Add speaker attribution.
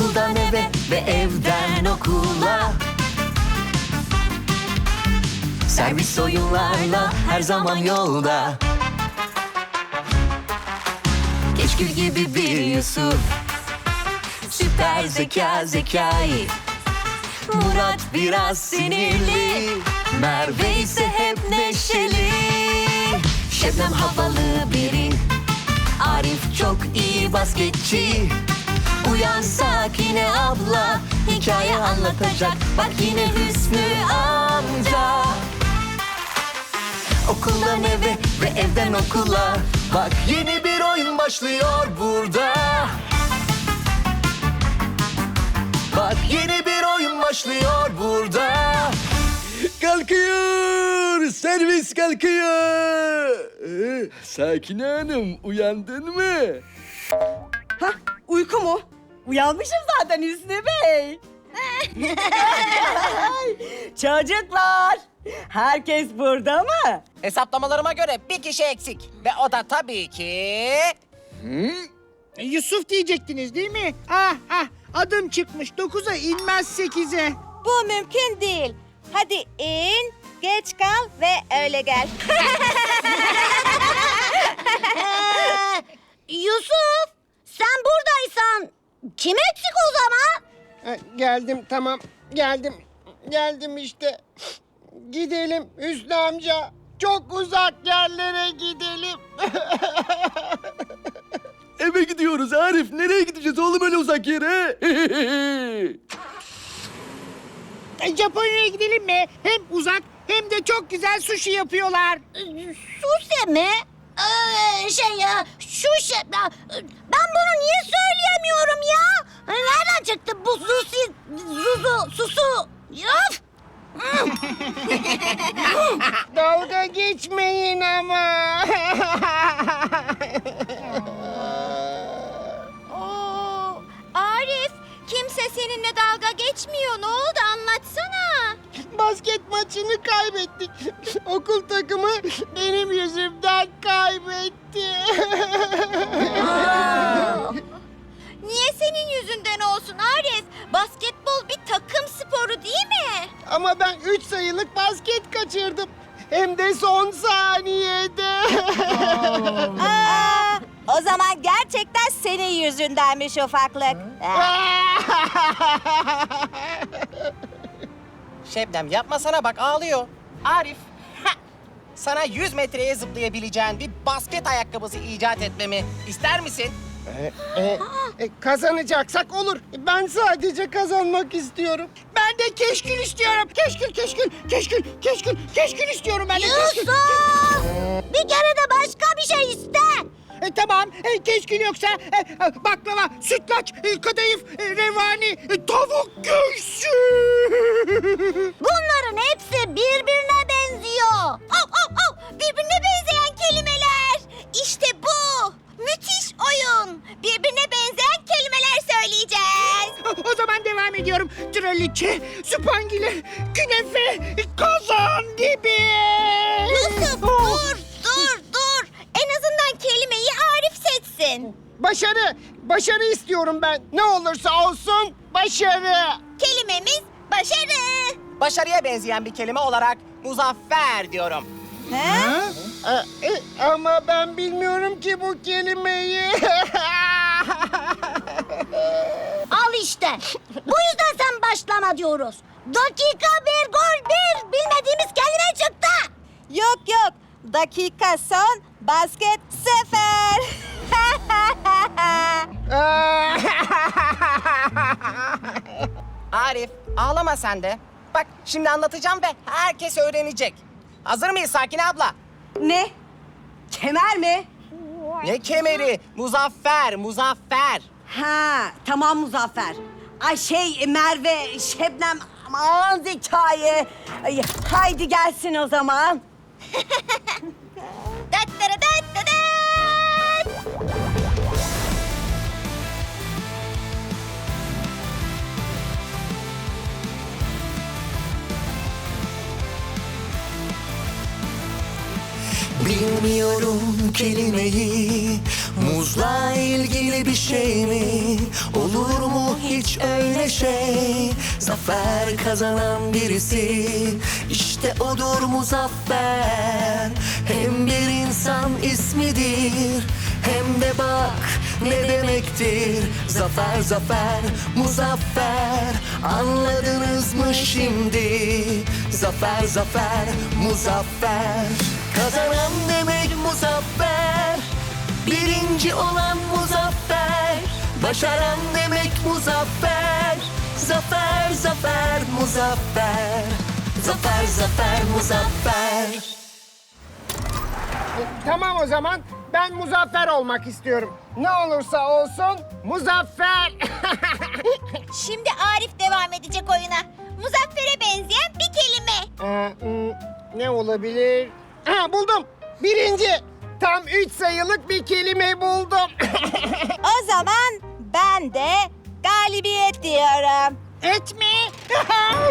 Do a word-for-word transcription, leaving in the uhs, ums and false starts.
Speaker 1: Okuldan eve ve evden okula. Servis oyunlarla her zaman yolda. Keşkül gibi bir Yusuf, süper zeka Zekai. Murat biraz sinirli, Merve ise hep neşeli. Şebnem havalı biri, Arif çok iyi basketçi. Uyan Sakine abla, hikaye anlatacak. Bak yine Hüsnü amca. Okuldan eve ve evden okula. Bak yeni bir oyun başlıyor burada. Bak yeni bir oyun başlıyor burada.
Speaker 2: Kalkıyor, servis kalkıyor. Ee, Sakine Hanım, uyandın mı?
Speaker 3: Hah, uyku mu? Uyanmışım zaten Hüsnü Bey. Çocuklar, herkes burada mı?
Speaker 4: Hesaplamalarıma göre bir kişi eksik. Ve o da tabii ki...
Speaker 5: Yusuf diyecektiniz değil mi? Ah ah, adım çıkmış. Dokuza inmez sekize.
Speaker 6: Bu mümkün değil. Hadi in, geç kal ve öyle gel.
Speaker 7: Yusuf, sen buradaysan kim eksik o zaman?
Speaker 5: Ha, geldim tamam, geldim. Geldim işte. Gidelim Hüsnü amca. Çok uzak yerlere gidelim.
Speaker 2: Eve gidiyoruz Arif. Nereye gideceğiz oğlum öyle uzak yere?
Speaker 5: E, Japonya'ya gidelim mi? Hem uzak hem de çok güzel sushi yapıyorlar.
Speaker 7: Sushi mi? Ee, şey ya, şu şey... ya, Ben bunu niye söyleyemiyorum ya? Nereden çıktı bu sushi, zuzu, susu? Of!
Speaker 5: Dalga geçmeyin ama.
Speaker 6: Oo, Arif, kimse seninle dalga geçmiyor. Ne oldu anlatsana.
Speaker 5: Basket maçını kaybettik. Okul takımı benim yüzümden kaybetti.
Speaker 6: Niye senin yüzünden olsun Arif? Basketbol bir takım sporu değil mi?
Speaker 5: Ama ben üç sayılık basket kaçırdım. Hem de son saniyede.
Speaker 6: Aa, o zaman gerçekten senin yüzündenmiş ufaklık.
Speaker 4: Şebnem yapmasana bak ağlıyor. Arif, ha! Sana yüz metreye zıplayabileceğin bir basket ayakkabısı icat etmemi ister misin?
Speaker 5: E, e, kazanacaksak olur. Ben sadece kazanmak istiyorum. Ben de keşkül istiyorum. Keşkül, keşkül, keşkül, keşkül, keşkül istiyorum ben de. Keşkül.
Speaker 7: Yusuf! Bir kere de başka bir şey iste.
Speaker 5: E, tamam, e, keşkül yoksa e, e, baklava, sütlaç, e, kadayıf, e, revani, e, tavuk göğsü.
Speaker 7: Bunların hepsi birbirine benziyor.
Speaker 6: Oh, oh, oh! Birbirine benzeyen kelimeler. İşte bu. Müthiş oyun. Birbirine benzeyen kelimeler söyleyeceğiz.
Speaker 5: O zaman devam ediyorum. Traliçe, supangile, künefe, kazan gibi.
Speaker 6: Yusuf dur, dur, dur. En azından kelimeyi Arif seçsin.
Speaker 5: Başarı, başarı istiyorum ben. Ne olursa olsun başarı.
Speaker 6: Kelimemiz başarı.
Speaker 4: Başarıya benzeyen bir kelime olarak muzaffer diyorum.
Speaker 6: He?
Speaker 5: E, e, ama ben bilmiyorum ki bu kelimeyi.
Speaker 7: Al işte. Bu yüzden sen başlama diyoruz. Dakika bir gol bir. Bilmediğimiz kelime çıktı.
Speaker 6: Yok yok. Dakika son, basket sefer.
Speaker 4: Arif, ağlama sen de. Bak şimdi anlatacağım ve herkes öğrenecek. Hazır mıyız Sakine abla?
Speaker 3: Ne? Kemer mi?
Speaker 4: Ne kemeri? Muzaffer, muzaffer.
Speaker 3: Ha, tamam Muzaffer. Ay şey Merve, Şebnem, aman Zekai. Ay, haydi gelsin o zaman.
Speaker 6: Dat dat dat dat dat.
Speaker 1: Bilmiyorum kelimeyi, Muzla ilgili bir şey mi? Olur mu hiç öyle şey? Zafer kazanan birisi, işte odur Muzaffer. Hem bir insan ismidir, hem de bak ne demektir. Zafer, zafer, Muzaffer. Anladınız mı şimdi? Zafer, zafer, Muzaffer. Kazanan demek Muzaffer. Birinci olan Muzaffer. Başaran demek Muzaffer. Zafer, zafer, Muzaffer. Zafer, zafer, Muzaffer.
Speaker 5: E, tamam o zaman. Ben muzaffer olmak istiyorum. Ne olursa olsun muzaffer.
Speaker 6: Şimdi Arif devam edecek oyuna. Muzaffer'e benzeyen bir kelime.
Speaker 5: Ee, hmm, ne olabilir? Ha, buldum. Birinci. Tam üç sayılık bir kelime buldum.
Speaker 6: O zaman ben de galibiyet diyorum.
Speaker 5: Et mi?